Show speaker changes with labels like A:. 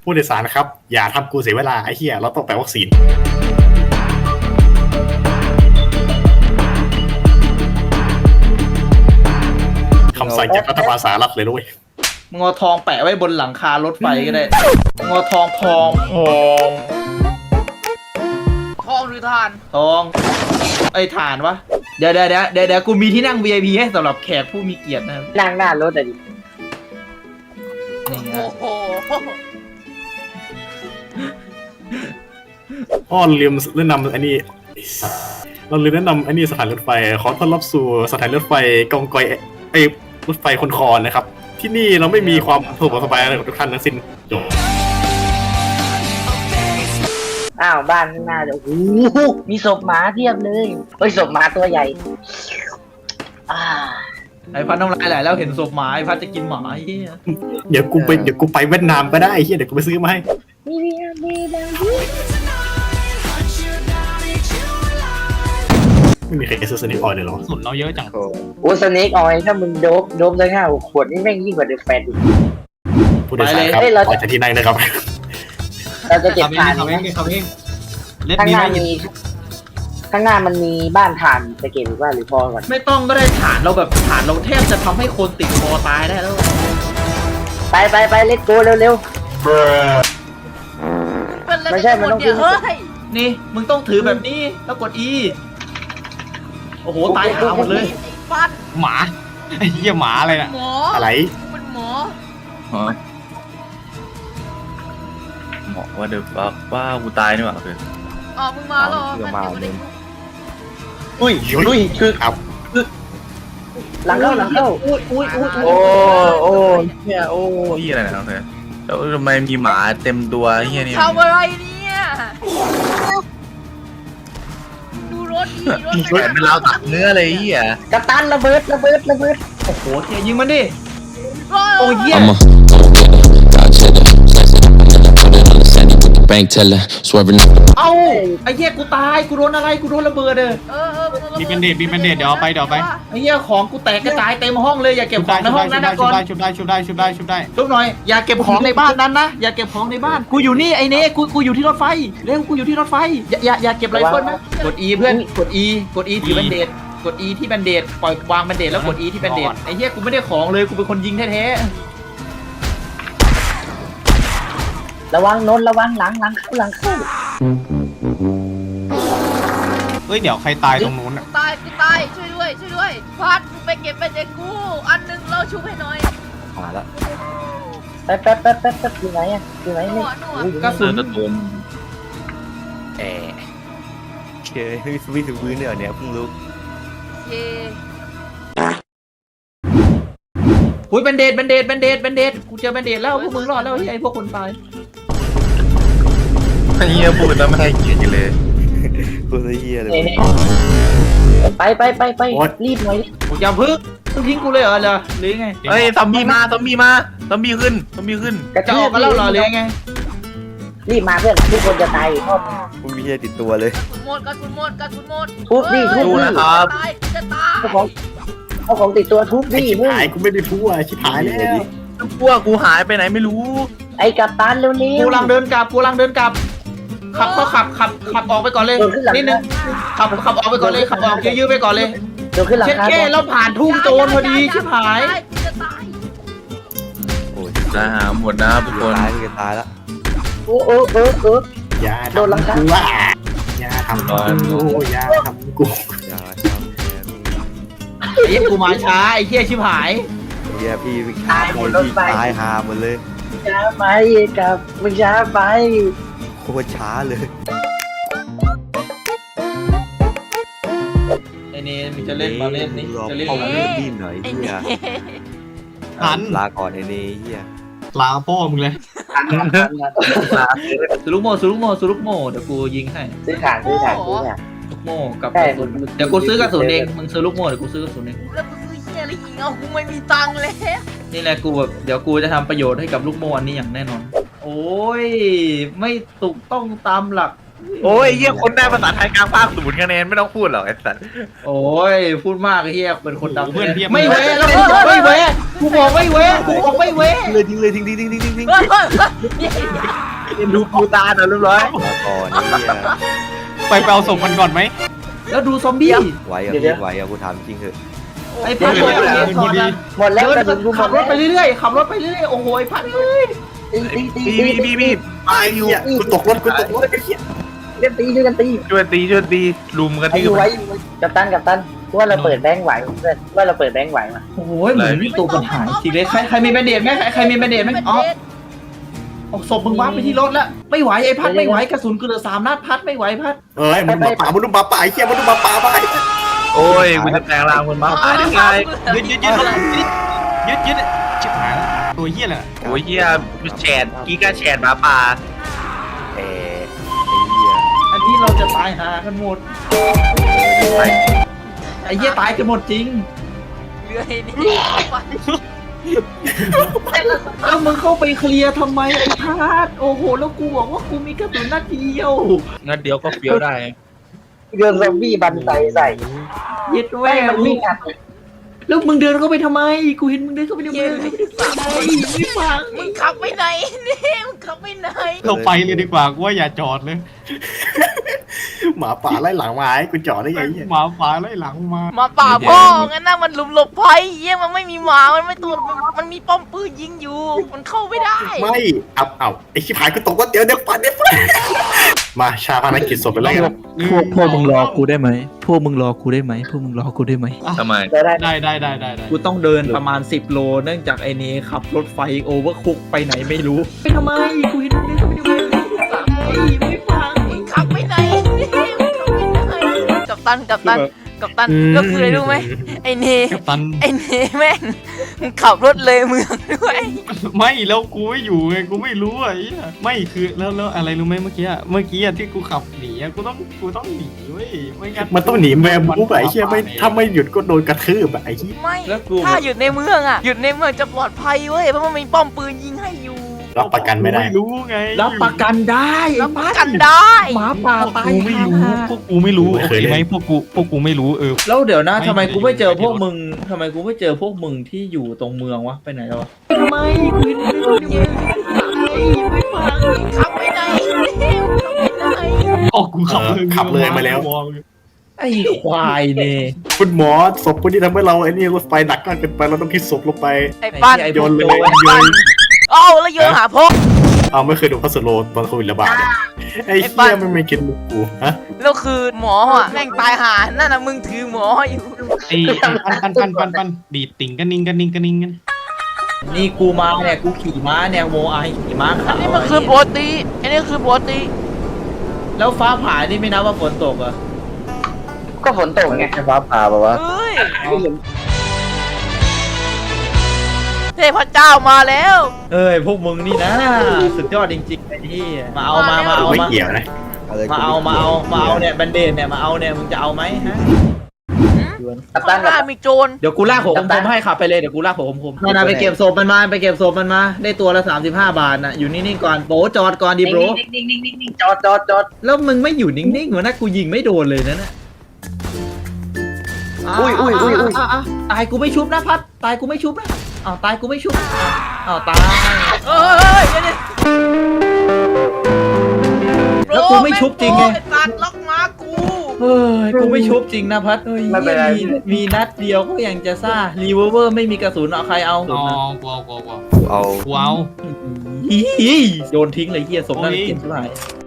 A: ผู้โดยสารนะครับอย่าทำกูเสียเวลาไอ้เหี้ยเราต้องไปวัคซีนคำสั่งจากรัฐบาลสหรัฐเลยด้วย
B: มึงเอาทองแปะไว้บนหลังคารถไฟก็ได้มึงเอาทอง
C: หรือทาน
B: ทองไอ้ถ่านวะเดี๋ยวกูมีที่นั่ง VIP ให้สำหรับแขกผู้มีเกียรตินะครับ
D: นั่งหน้ารถอะดิ
B: นี่ไง
C: โอ้โห
A: อ้อลืมแนะนำอันนี้เราลืมแนะนำอันนี้สถานรถไฟขอต้อนรับสู่สถานรถไฟกองกอยไอ้รถไฟคนคอนนะครับที่นี่เราไม่มีความสะดวกสบายอะไรของทุกท่านทั้งสิ้นจบ
D: อ้าวบ้านข้างหน้าเดี๋ยวโอ้โหมีศพหมาเทียบเลยเฮ้ยศพหมาตัวใหญ่
B: ไอ้พันน้ำลายไหลแล้วเห็นศพหมาไอ้พันจะกินหมาไอ้เหี้ย
A: เดี๋ยวกูไปเวียดนามก็ได้ไอ้เหี้ยเดี๋ยวกูไปซื้อมาให้ไม่มีใครซื้อสนิทออยเลยหรอ
E: สุดเราเยอะจัง
D: โอ้สเน็กออยถ้ามึงโดบเลย5-6 ขวดนี่แม่งยิ่งกว่าเดอะแฟนอีก
A: ผู้โดยสารครับออกจากที่นั่งนะครับ
D: เราจะเก็บถ่าน
E: เขาเอง
D: ข้างหน้ามันมีบ้านถ่านจะเก็บหรือว่าหรือพอก่อน
B: ไม่ต้องก็ได้ฐานเราแบบฐานเราแทบจะทำให้คนติดคอตายได้แล้ว
D: ไปเล็ตโกเร็วไม่ใช่มันต้องขึ้น
B: นี่มึงต้องถือแบบนี้แล้วกด E โอ้โหตายหาหมดเลย
C: ฟัด
E: หมาไอ้เหี้ยหมาอะไรน่ะ
C: หมอ
A: อะไร
C: เป็นหมอ
F: ว่าเดี๋ยวว่ากูตายนี่หว่าคือ
C: อ๋อมึงมาหรอ
F: อุ้ยคือ
A: ครับ
D: หลังเข้า
F: โอ้เนี่ยโอ้ยอะไรนะเนี่ยแล้วทำไมมีหมาเต็มตัวเฮียนี่
C: ทำอะไรเนี่ยดูรถดี
F: รถเป็นเราตัดเนื้อเลยเฮีย
D: กระตันระเบิด
B: โอ้โหเทียยิงมันดิโอ้ยเหี้ย
G: bank teller swerving
B: เอ้าไอ้เหี้ยกูตายกูโดนอะไรกูโดนระเบิด
E: มีเป็นเดทเดี๋ยวเอาไป
B: ไอ้เหี้ยของกูแตกกระจายเต็มห้องเลยอย่าเก็บของในห้องนั้นนะก่อน
E: ชุบได้ชุบหน่อย
B: อย่าเก็บของในบ้านนั้นนะอย่าเก็บของในบ้านกูอยู่นี่ไอ้เน่กูอยู่ที่รถไฟเร็วกูอยู่ที่รถไฟอย่าเก็บไรเฟิลนะกด E เพื่อนกด E ถือแบนเดดกด E ที่แบนเดดปล่อยวางแบนเดดแล้วกด E ที่แบนเดดไอ้เหี้ยกูไม่ได้ของเลยกูเป็นคนยิงแท้
D: ระวังนนระวังหลังเข้า
E: เฮ้ยเดี๋ยวใครตายตรงนู้นอ่ะ
C: ตายช่วยด้วยพัดไปเก็บไปเจกูอันนึงเราชุบให้หน่อย
F: มาแล้ว
D: แป๊บอยู่ไหนนี่
B: กระสุน
F: เคยวิ่งถึงพื้นเนี่ยเพิ่งรู้
B: อุ้ยแบนเดดกูเจอแบนเดดแล้วพวกมึงรอดแล้วไอ้พวกคนตาย
F: เฮียพูดแล้วไม่ให้เกียรติเลยพูดเฮียเลย
D: ไปรีบหน่อย
B: อย่าพึ่งทิ้งกูเลยเหรอหรือไง
F: เฮ้ยซอมบี้ขึ้น
B: จะออกกันแล้วเหรอหรือไง
D: รีบมาเพื่อนทุกคนจะตายอีกรอบ
F: มึงมีเฮียติดตัวเลย
C: กระสุนหมด
D: ทุบ
F: นะครับ
C: จะตาย
D: เอาของติดตัวทุบดิ
A: หายกูไม่ได้ทุบชิบหายแล้ว
F: พวกกูหายไปไหนไม่รู้
D: ไอ้กัปตันเร็ว
B: กูกำลังเดินกลับขับออกไปก่อนเลยนิดนึงขับออกไปก่อนเลยขับออกยื้อไปก่อนเลยเช็ดแค่เราผ่านทุ่งโจรพอดีชิบหาย
F: โอ้ยจะหาหมดนะทุกคน
D: ตายแล้ว
A: อย่าโดนลังกูอย่าทำกู
B: ไอ้กูมาช้าไอ้เหี้ยชิบหาย
F: เฮียพี่ตายหาหมดเลย
D: ช้าไปกับมึงช้าไป
F: โคตรช้าเลย
B: ไอ้นี่มันจะเล่นมาเล่นนี่จะเล่นมา
F: เล่นดิ้นหน่อยเฮีย
E: หัน
F: ลาก่อนไอ้นี่เฮีย
E: ลาพ่อมึงเลย
B: สุลุกโมเดี๋ยวกูยิงให้
D: ซื้อถ่าน
B: ลูกโมกับเดี๋ยวกูซื้อกระสุนเองมึงซื้อลูกโมเดี๋ยวกูซื้อกระสุนเอง
C: แล้วกูซื้อเหี้ยอะไรอีกกูไม่มีตังค์เลย
B: นี่แหละกูแบบเดี๋ยวกูจะทำประโยชน์ให้กับลูกโมอันนี้อย่างแน่นอนโอ้ยไม่ถูกต้องตามหลัก
F: โอ้ยเฮียคนได้ภาษาไทยกลางภาค0 คะแนนไม่ต้องพูดหรอกไอ้สัส
B: โอ้ยพูดมากไอ้เฮียเป็นคนดังไม่เว้แล้วไม่เว้กูบอกไม่เว้กูบอกไม่เว้
F: เลยทิ้งดูปูตาหน่อยเรียบร้อย
G: มาก่อนนี่เนี่ย
E: ไปเอาศพมันก่อนไหม
B: แล้วดูซอมบี้
G: ไหวอ่ะพี่ไหวอ่ะกูถามจริงเถอะ
B: ไอ้พัด
E: เดี๋ยว
B: ก่อนนะ
D: หมดแล้วกระสุนกูหม
B: ขับ
D: ด
B: รถไปเรื่อยๆขับรถไปเรื่อยๆโอ้โหไอ้พัดเอ้ย
F: พี่
A: ไอ้เหี้ยกูตกรถไอ้เหี้ย
D: เล่นตีช่วยกันตี
F: ช่วยตีลุมกัน
D: ไอ้
F: ที่
D: อยู่ไว้กัปตันว่าเราเปิดแบงค์ไหวเพื่อนว่าเราเปิดแบงค์ไหวมา
B: โอ้โหเหมือนมีตัวปัญหาจริงเลยใครมีแบนเดดไหมใครมีแบนเดดไหมอ๋อเอาศพมึงวางไปที่รถแล้วไม่ไหวไอ้พัดไม่ไหวกระสุนกูเหลือ3 นัดพัดไม่ไหวพัด
A: เอ้ยมันมาป่ามันดูมาป่าไอ้เหี้ยมันดูมาป่าไป
F: โอ้ยกูจะแปลงร่างมันมา
E: ได้ไงยึดชิบหายแล้วตัวเหี้ยแหละ
F: โอ้ยเฮียแฉดกีกาแฉดหมาป่า
G: เอไอ้เหี้ย
B: อันนี้เราจะตายหากันหมดไอ้เหี้ยตายกันหมดจริง
C: เรือไอ้นี่
B: แล้วมึงเข้าไปเคลียร์ทำไมไอ้พัดโอ้โหแล้วกูบอกว่ากูมีกระสุนนัดเดียว
F: งั้นเดี๋ยวก็เฟี้ยวได้
D: โดนซอมบี้บันใส่
B: เย็ดแว่
D: มันวิ่งอัด
B: แล้วมึงเดินเข้าไปทำไมกูเห็นมึงเดินเข้าไปในเมืองไม่ฟัง
C: มึงขับไปไหนนี่มึงขับไปไหน
E: เราไปเลยดีกว่ากูว่าอย่าจอดเลย
A: หมาป่าไล่หลังมาไอ้กูจอดได้ไงเหี้ย
E: หมาป่าไล่หลังมา
C: มาป่าพ่องั้นน่ะมันหลุมหลบภัยเยี่ยมันไม่มีหมามันไม่ตัวมันมีป้อมปืนยิงอยู่ มันเข้าไม่ได้
A: ไม่เอาไอ้ชิบหายกูตกว่าเดี๋ยวฟันมาชาพนักกิจศพไปแล้วกัน
H: พวกมึงรอกูได้ไหมพวกมึงรอกูได้ไหมพวกมึงรอกูได้ไหม
F: ทำไม
D: จะได้
E: ได้
B: กูต้องเดินประมาณ10 โลเนื่องจากไอ้นี้ขับรถไฟโอเวอร์คุกไปไหนไม่รู้ไปทำไมกูเห็นมึงเดินเข้าไปในเมืองไม่ฟัง
C: มึงขับไปไหนนี่มึงขับไปไหนกัปตันก็คืออะไรรู้ไหมไอ้เน
E: กัปตัน
C: ไอ้เนแม่งมึงขับรถเลยเมืองด้วย
E: ไม่แล้วกูไม่อยู่ไงกูไม่รู้อ่ะไอ้เหี้ยไม่คือแล้วอะไรรู้ไหมเมื่อกี้ที่กูขับหนีอะกูต้องหนีเว้ยไม่งั้น
A: มันต้องหนีแมวบู๊ไอ้เหี้ยไม่ถ้าไม่หยุดก็โดนกระทืบไอ้เหี้ย
C: ไม่ถ้าหยุดในเมืองอะหยุดในเมืองจะปลอดภัยเว้ยเพราะมันมีป้อมปืนยิงให้อยู่
A: รับประกันไม่ได้
E: ไม่รู้ไง
B: รับประกันได้
C: รับประกันได้
B: หมาป่าตาย
E: กูไม่รู้พวกกูไม่รู้
A: ไม่
E: โอ
A: เคย
E: เค
A: เล่น
E: ไหมพวกกูไม่รู้
B: แล้วเดี๋ยวนะ
E: ไม่
B: ทำไมกูไม่เจอ
E: ไม่
B: พวกมึงทำไมกูไม่เจอพวกมึงที่อยู่ตรงเมืองวะไปไหนแล้ววะทำไมกูเห็นมึงเดินเข้าไปในเมืองไม่ฟัง
C: ขับไปไหนนี่มึงขับไปไหน
E: อ๋อกูขับเลย
A: มาแล้ว
B: ไอ้ควายเนี่ย
A: คุณหมอศพคนที่ทำให้เราไอ้นี่รถไฟหนักมากเกินไปเราต้องคิดศพลงไป
C: ไอ้ปั้น
B: ไอ้
A: โยนเลย
B: พวก
A: โยน
C: เอ้าแล้วโยนหาพก
A: เอาไม่เคยดูพัสโลตอนโควิดระบาดเลยไอ้
C: ไอ้ปั้
A: เหี้
C: น
A: ยมันไม่กินมุกกูฮะ
C: แล้วคือหมออ่ะแม่งตายหานั่นน่ะมึงถือหมออยู่
E: ไอ้ปันดีดติ่งกันนิ่งกัน
B: นี่กูมาเนี่ยกูขี่ม้าเนี่ยโมไอขี่ม้า
C: อั
B: ขาน ว
C: นี้มันคือปกติอันนี้คือปกติ
B: แล้วฟ้าผ่านี่ไม่นับว่าฝนตกเหรอ
D: ก็ฝนตกไง
F: แค่ฟ้าผ่าแบบว่า
C: เฮ้ยเทพเจ้ามาแล้ว
B: เอ้ยพวกมึงนี่นะสุดยอดจริงๆไอ้ที่มาเอามา
A: ไม่
B: มา
A: เกี่ยวนะ
G: อะไร
B: มาเอาเนี่ยแบนเดนเนี่ยมาเอาเนี่ยมึงจะเอาไหมฮะ
D: กัปตั
C: ข้าน งหน้ามีโจร
B: เดี๋ยวกูลากหัวคมๆให้ขับไปเลยเดี๋ยวกูลากหัวคมๆมาไปเก็บศพมันมาไปเก็บศพมันมาได้ตัวละ35 บาทน่ะอยู่นิ่งๆก่อนโบจอดก่อนดิโบร
D: นิ่งจอด
B: แล้วมึงไม่อยู่นิ่งๆเหมือนนะกูยิงไม่โดนเลยนะน่ะ
D: อุ้ย
B: ตายกูไม่ชุบนะพัดตายกูไม่ชุบนะอ้าวตายกูไม่ชุบอ้าวตาย
C: เอ้ยเดี๋ยว
B: แล้วกูไม่ชุบจริงไง
C: ไอ้สัตว์ล็อกม้ากู
B: เฮ้ยกูไม่ชุบจริงนะพัดเฮ้ยมีนัดเดียวก็ยังจะซ่ารีเวอร์ไม่มีกระสุนเอาใครเอา
E: อ๋อกูเอา
G: เอา
E: กูเอา
B: โยนทิ้งเลยเฮียสมน่าเกลียดเท่าไหร่